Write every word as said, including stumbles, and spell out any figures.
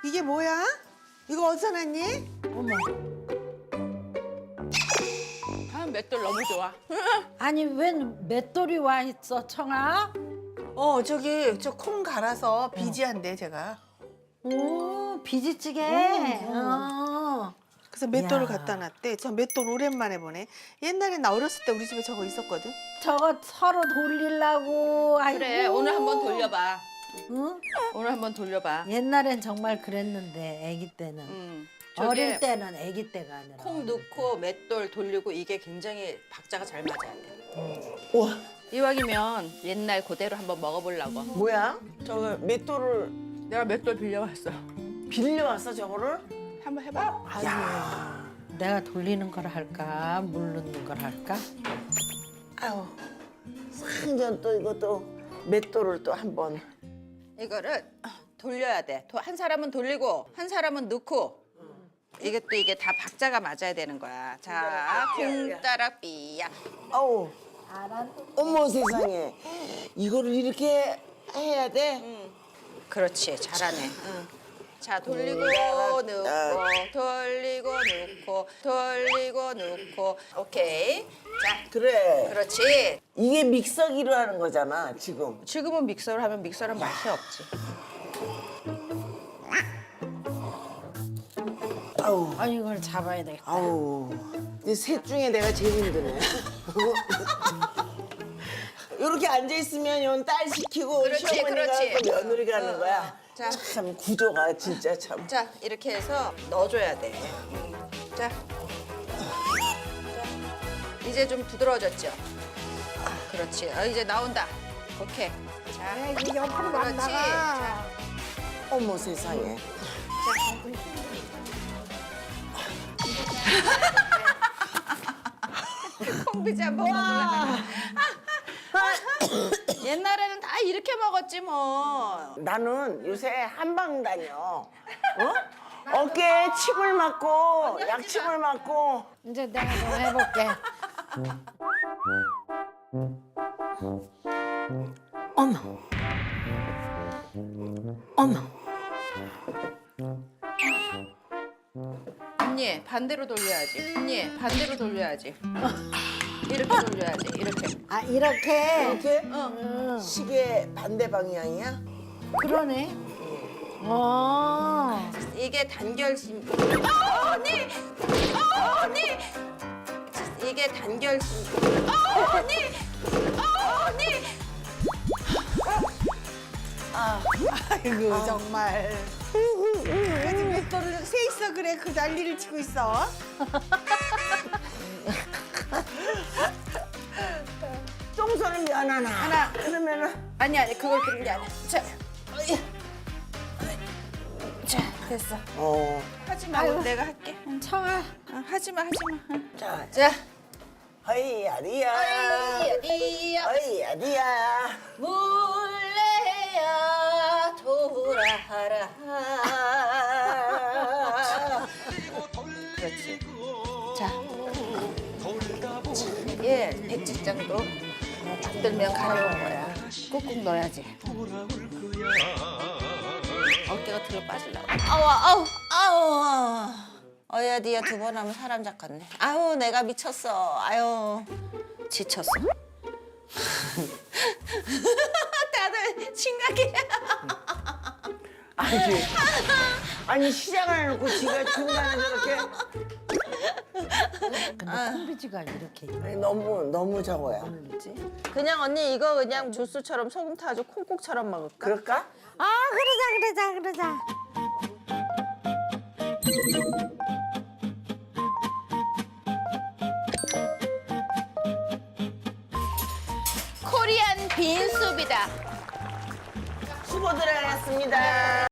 이게 뭐야? 이거 어디서 났니? 어머. 아, 맷돌 너무 좋아. 아니 웬 맷돌이 와 있어 청아? 어 저기 저 콩 갈아서 비지한대 제가. 오 비지찌개. 어. 그래서 맷돌을 이야. 갖다 놨대. 저 맷돌 오랜만에 보네. 옛날에 나 어렸을 때 우리 집에 저거 있었거든. 저거 서로 돌리려고. 아이고. 그래, 오늘 한번 돌려봐. 응? 오늘 한번 돌려봐. 옛날엔 정말 그랬는데 아기 때는. 음, 어릴 저게 때는 아기 때가 아니라. 콩 넣고 맷돌 돌리고 이게 굉장히 박자가 잘 맞아야 돼. 우와, 이왕이면 옛날 그대로 한번 먹어보려고. 뭐야? 저거 맷돌을 내가 맷돌 빌려왔어. 빌려왔어, 저거를? 한번 해봐. 야, 내가 돌리는 걸 할까 물 넣는 걸 할까? 아유, 상전 또 이것도 맷돌을 또 한번. 이거를 돌려야 돼. 도- 한 사람은 돌리고 한 사람은 넣고. 이게 또 이게 다 박자가 맞아야 되는 거야. 자, 콩 따라 삐야. 아우, 어머 세상에, 이거를 이렇게 해야 돼? 그렇지, 잘하네. 응. 자, 돌리고 넣고, 돌리고 넣고, 돌리고 넣고. 오케이. 자, 그래. 그렇지. 이게 믹서기로 하는 거잖아, 지금. 지금은 믹서를 하면 믹서는 맛이 없지. 아우, 아 이걸 잡아야 되겠다. 아우. 이셋 중에 내가 제일 힘드네. 이렇게 앉아 있으면 yon 딸 시키고 그렇지, 시어머니가 그렇지. 하고 며느리가 하는 어, 거야. 어. 자. 참 구조가 진짜 참. 자, 이렇게 해서 넣어줘야 돼. 자. 자. 이제 좀 부드러워졌죠? 그렇지. 아, 이제 나온다. 오케이. 자, 이게 옆으로 막 그렇지. 나가. 자, 어머 세상에. 콩비지 한번 먹으려고. 옛날에는 다 이렇게 먹었지 뭐. 나는 요새 한방 다녀. 어? 어깨에 침을 맞고 약침을 맞고. 이제 내가 좀 해볼게. 어머. 어머. 언니 반대로 돌려야지. 언니 반대로 돌려야지. 이렇게 돌려야지. 이렇게. 아 이렇게. 이렇게 어. 시계 반대 방향이야? 그러네. 어. 이게 단결심. 어, 언니. 어, 언니. 이게 단결심. 어, 언니. 어, 언니. 아이고 정말. 요즘 맷돌을 세 있어 그래 그 난리를 치고 있어. 똥손은 면 하나. 하나. 그러면은 아니 아니 그걸 그런 게 아니야. 자. 어이. 자, 됐어. 어. 하지 말고 내가 할게. 응. 청아. 어, 하지 마, 하지 마. 응. 자, 자. 허이야리야. 어디야? 허이야리야. 물레야 돌아라. 그렇지. 자. 이게 백지장도 딱 들면 가려운 거야. 꾹꾹 넣어야지. 어깨가 들어 빠지려고. 아우 아우 아우. 어야디야 두 번 하면 사람 잡겠네. 아우 내가 미쳤어. 아유 지쳤어. 다들 심각해. 아니, 아니 시작을 해놓고 지가 중간에 저렇게. 근데 콩비지가 이렇게 아니, 너무 너무 저거야. 있지? 그냥 언니 이거 그냥 주스처럼 소금 타가지고 콩국처럼 먹을까? 그럴까? 아 그러자 그러자 그러자. 코리안 빈수비다. 수고들 하셨습니다.